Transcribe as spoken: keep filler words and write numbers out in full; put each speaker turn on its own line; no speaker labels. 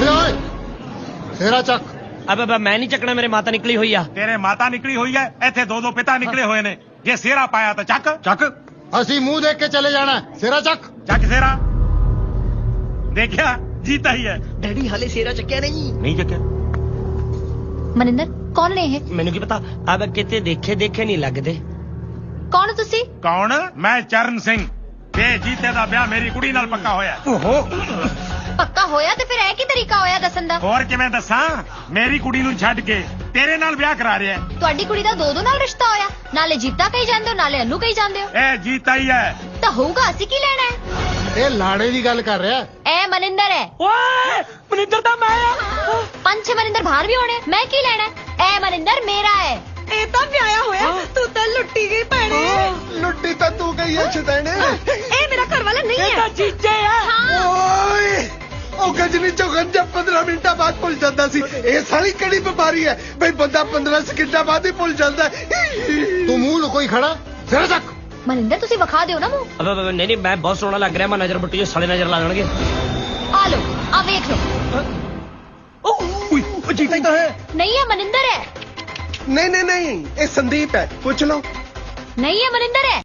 ਖੜ ਜਾ ਓਏ ਸੇਰਾ ਚੱਕ।
अब अब मैं नहीं चकना, मेरे माता निकली हुई है।
ਤੇਰੇ ਮਾਤਾ ਨਿਕਲੀ ਹੋਈ ਹੈ, ਇੱਥੇ ਦੋ ਦੋ ਪਿਤਾ ਨਿਕਲੇ ਹੋਏ ਨੇ। ਜੇ ਸਿਹਰਾ ਪਾਇਆ ਤਾਂ ਚੱਕ ਚੱਕ
ਅਸੀਂ ਮੂੰਹ ਦੇਖ ਕੇ ਚਲੇ ਜਾਣਾ। ਸੇਰਾ ਚੱਕ।
ਚੱਕ ਸਿਹਰਾ। ਦੇਖਿਆ ਜੀਤਾ ਹੀ ਹੈ।
डैडी हाले सेरा चक्या नहीं।
ਨਹੀਂ ਚੱਕਿਆ।
ਮਨਿੰਦਰ ਕੌਣ ਨੇ ਇਹ?
मैनू की पता, अब किते देखे देखे नहीं लगते।
ਕੌਣ ਹੋ ਤੁਸੀਂ?
ਕੌਣ? ਮੈਂ ਚਰਨ ਸਿੰਘ ਤੇ ਜੀਤੇ ਦਾ ਵਿਆਹ ਮੇਰੀ ਕੁੜੀ ਨਾਲ ਪੱਕਾ ਹੋਇਆ। ਓਹੋ
ਪੱਕਾ ਹੋਇਆ ਤੇ ਫਿਰ ਇਹ ਕੀ ਤਰੀਕਾ ਹੋਇਆ ਦੱਸਣ ਦਾ?
ਹੋਰ ਕਿਵੇਂ ਦੱਸਾਂ? ਮੇਰੀ ਕੁੜੀ ਨੂੰ ਛੱਡ ਕੇ ਤੇਰੇ ਨਾਲ ਵਿਆਹ ਕਰਾ ਰਿਹਾ।
ਤੁਹਾਡੀ ਕੁੜੀ ਦਾ ਦੋ ਦੋ ਨਾਲ ਰਿਸ਼ਤਾ ਹੋਇਆ, ਨਾਲੇ ਜੀਤਾ ਕਹੀ ਜਾਂਦੇ ਹੋ ਨਾਲੇ ਅਨੂ ਕਹੀ ਜਾਂਦੇ ਹੋ।
ਇਹ ਜੀਤਾ ਹੀ ਹੈ।
ਤਾਂ ਹੋਊਗਾ, ਅਸੀਂ ਕੀ ਲੈਣਾ ਹੈ?
ਇਹ ਲਾੜੇ ਦੀ ਗੱਲ ਕਰ ਰਿਹਾ।
ਇਹ ਮਨਿੰਦਰ ਹੈ।
ओए मनिंदर दा मैं आ।
ਪੰਜ ਛੇ ਮਨਿੰਦਰ ਬਾਹਰ ਵੀ ਹੋਣੇ, ਮੈਂ ਕੀ ਲੈਣਾ ਹੈ? ਇਹ ਮਨਿੰਦਰ ਮੇਰਾ ਹੈ।
ਇਹ ਤਾਂ ਵਿਆਹਿਆ ਹੋਇਆ, ਤੂੰ ਤਾਂ ਲੁੱਟੀ ਗਈ ਭੈਣੇ।
ਲੁੱਟੀ ਤਾਂ ਤੂੰ ਗਈ ਐ ਛਦੈਣੇ।
ਇਹ ਮੇਰਾ ਘਰ ਵਾਲਾ ਨਹੀਂ ਹੈ।
जीजे है।
ਓਏ ਉਹ ਗਜਨੀ ਚੋਂ ਗੰਜਾ ਪੰਦਰਾਂ ਮਿੰਟਾਂ ਬਾਅਦ ਭੁੱਲ ਜਾਂਦਾ ਸੀ। ਇਹ ਸਾਰੀ ਕਿਹੜੀ ਬਿਮਾਰੀ ਹੈ ਬਈ ਬੰਦਾ ਪੰਦਰਾਂ ਸਕਿੰਟਾਂ ਬਾਅਦ ਹੀ ਭੁੱਲ ਜਾਂਦਾ ਹੈ।
ਤੂੰ ਮੂੰਹ ਲੁਕੋਈ ਖੜਾ। ਸੇਰਾ ਚੱਕ।
ਮਨਿੰਦਰ ਤੁਸੀਂ ਵਿਖਾ ਦਿਓ ਨਾ ਮੂੰਹ।
अब अब नहीं नहीं, मैं बहुत सोहना लग रहा, मैं नजर बट्टी जो साले नजर ला देंगे।
ਆ ਲੋ, ਆ ਵੇਖ ਲੋ।
ओए जीता ही तो है।
ਨਹੀਂ ਹੈ ਮਨਿੰਦਰ ਹੈ।
ਨਹੀਂ ਨਹੀਂ ਨਹੀਂ ਇਹ ਸੰਦੀਪ ਹੈ, ਪੁੱਛ ਲਓ।
ਨਹੀਂ ਹੈ ਮਨਿੰਦਰ ਹੈ।